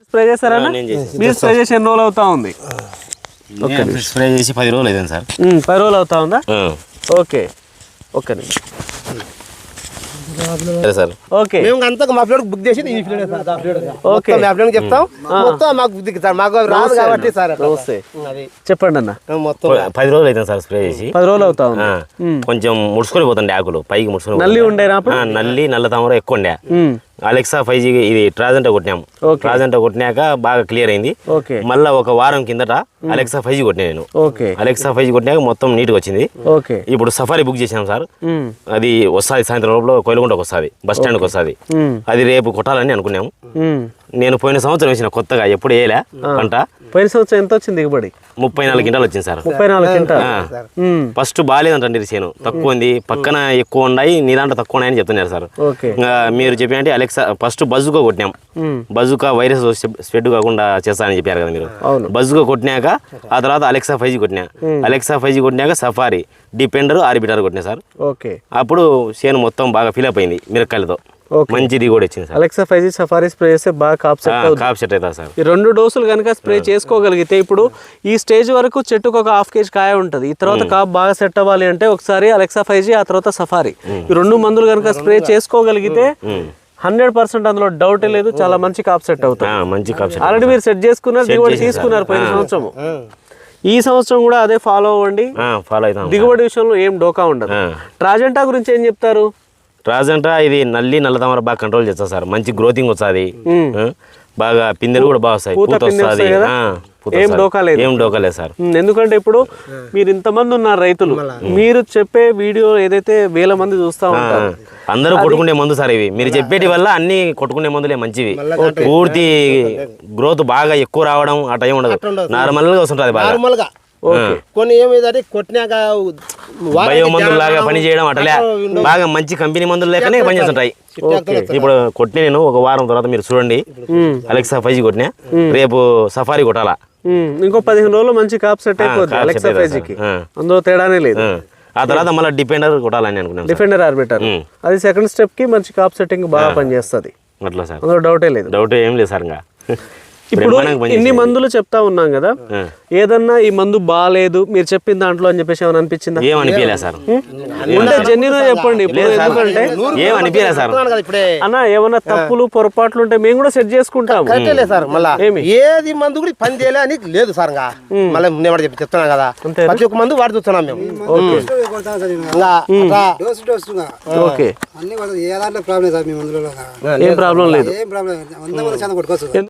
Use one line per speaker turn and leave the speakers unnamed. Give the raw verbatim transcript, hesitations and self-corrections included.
Spray చేస్తారా? మీరు spray చేసి ఎన్ని రోజులు అవుతా ఉంది?
స్ప్రే చేసి పది రోజులు అయింది సార్.
పది రోజులు అవుతా ఉందా? Okay okay
sir.
ఓకే
మేము అంతా మా ఫ్లోర్ బుక్ చేసి ఈ ఫ్లోర్ సార్, ఆ ఫ్లోర్ ఓకే మా ఫ్లోర్ చెప్తాం మొత్తం మాకు బుక్ సార్, మాకు రాదు కాబట్టి సార్.
అది చెప్పండి అన్న.
మొత్తం పది రోజులు అవుతుంది సార్ స్ప్రే చేసి.
పది రోజులు అవుతా ఉంది.
కొంచెం ముడుచుకొని పోతుండే ఆకులు పైకి ముడుచుకొని.
నల్లి ఉండేనా?
నల్లి నల్ల తామర ఎక్కువ ఉండే. అలెక్సా ఫైవ్ జీ ఇది ట్రాజెంటా కొట్టినాం. ట్రాజెంటా కొట్టినాక బాగా క్లియర్ అయింది. మళ్ళీ ఒక వారం కిందట అలెక్సా ఫైవ్ జీ కొట్టినా నేను. అలెక్సా ఫైవ్ జీ కొట్టినాక మొత్తం నీట్ గా వచ్చింది. ఇప్పుడు సఫారీ బుక్ చేసాం సార్. అది వస్తుంది సాయంత్రం లోపల కోయిలగుంటకు వస్తుంది, బస్ స్టాండ్కి వస్తుంది. అది రేపు కొట్టాలని అనుకున్నాము. నేను పోయిన సంవత్సరం వేసిన కొత్తగా, ఎప్పుడు వేయలే పంట.
పోయిన సంవత్సరం ఎంత వచ్చింది దిగుబడి?
ముప్పై నాలుగు క్వింటాలు వచ్చింది సార్.
ముప్పై నాలుగు క్వింటాలు
ఫస్ట్ బాగాలేదంటే చేను తక్కువ ఉంది, పక్కన ఎక్కువ ఉన్నాయి, నీ దాంట్లో తక్కువ ఉన్నాయని చెప్తున్నారు సార్. ఇంకా మీరు చెప్పినట్టు అలెక్సా ఫస్ట్ బజుకా కొట్టినాం. బజుకా వైరస్ స్ప్రెడ్ కాకుండా చేస్తానని చెప్పారు కదా మీరు. బజుకా కొట్టినాక ఆ తర్వాత అలెక్సా ఫైవ్ జీ కొట్టినా. అలెక్సా ఫైవ్ జీ కొట్టినాక సఫారీ, డిపెండర్, ఆర్బిటర్ కొట్టినా సార్.
ఓకే
అప్పుడు చేను మొత్తం బాగా ఫిలప్ అయింది మిరకాయలతో. మంచి దిగుబడి వచ్చింది sir.
Alexa five G Safari spray చేస్తే బాగా కాప్ సెట్ అవుతుంది.
కాప్ సెట్ అవుతుంది సార్.
ఈ రెండు డోసులు కనుక స్ప్రే చేసుకోగలిగితే, ఇప్పుడు ఈ స్టేజ్ వరకు చెట్టుకు ఒక హాఫ్ కేజీ కాయ ఉంటుంది. ఈ తర్వాత కాప్ బాగా సెట్ అవ్వాలి అంటే ఒకసారి అలెక్సా ఫైవ్ జీ, ఆ తర్వాత సఫారీ, ఈ రెండు మందులు కనుక స్ప్రే చేసుకోగలిగితే హండ్రెడ్ పర్సెంట్ అందులో డౌటే లేదు, చాలా మంచి కాప్ సెట్ అవుతుంది.
మంచి కాప్ సెట్.
ఆల్రెడీ మీరు సెట్ చేసుకున్నారు, దిగుబడి తీసుకున్నారు పోయిన సంవత్సరం. ఈ సంవత్సరం కూడా అదే ఫాలో అవ్వండి.
ఫాలో అవుతాం.
దిగుబడి విషయంలో ఏం డోకా ఉండదు. ట్రాజెంటా గురించి ఏం చెప్తారు?
ట్రాజెంటా ఇది నల్లి నల్ల తామర బాగా కంట్రోల్ చేస్తా సార్. మంచి గ్రోతింగ్ వస్తుంది, బాగా పిందెలు కూడా బాగా వస్తాయి, పూత వస్తుంది.
ఏం డోకా లేదు,
ఏం డోకా లేదు సార్.
ఎందుకంటే ఇప్పుడు మీరు ఇంతమంది ఉన్నారు రైతులు, మీరు చెప్పే వీడియో ఏదైతే వేల మంది చూస్తా ఉంటారు,
అందరూ కొట్టుకునే మందు సార్ ఇవి. మీరు చెప్పేటి వల్ల అన్ని కొట్టుకునే మందులే మంచివి. పూర్తి గ్రోత్ బాగా ఎక్కువ రావడం ఆ టైం ఉండదు, నార్మల్ గా వస్తుంటది బాగా.
కొన్ని ఏమైందంటే కొట్టినాక
బయో మందులు లాగా పని చేయడం అట్లే బాగా మంచి కంపెనీ మందులు లేకనే పని చేస్తుంటాయి. ఇప్పుడు కొట్టిన నేను ఒక వారం తర్వాత మీరు చూడండి, అలెక్సా ఫైవ్ జీ కొట్టినా, రేపు సఫారీ కొట్టాలా.
ఇంకో పదిహేను రోజులు మంచి కాప్ సెట్ అయిపోతుంది అలెక్సా ఫైవ్ జీకి, అందులో తేడానే లేదు.
ఆ తర్వాత మళ్ళీ డిపెండర్ కొట్టాలని అనుకున్నాను.
డిఫెండర్ ఆర్బిటర్ అది సెకండ్ స్టెప్ కి మంచి కాప్ సెట్టింగ్ బాగా పనిచేస్తుంది.
అట్లా సార్,
అందులో డౌటే లేదు.
డౌట్ ఏం లేదు సార్. ఇంకా
ఇప్పుడు ఇన్ని మందులు చెప్తా ఉన్నాం కదా, ఏదన్నా ఈ మందు బాగాలేదు మీరు చెప్పిన దాంట్లో అని చెప్పేసి ఏమైనా అనిపించిందా?
ఏం అనిపించలే సార్.
ఉంటే జెన్యున్ చెప్పండి. ఎందుకంటే
ఏం అనిపించలే సార్.
అన్న ఏమన్నా తప్పులు పొరపాట్లు ఉంటే మేము కూడా సెట్ చేసుకుంటాం.
ఏది మందు కూడా పని చేయలే అని లేదు సార్. మళ్ళీ నేను చెప్పి చెప్తున్నాను కదా, ప్రతి ఒక్క మందు వాడి చూస్తున్నాం మేము.
ఓకే, ఏం ప్రాబ్లం లేదు.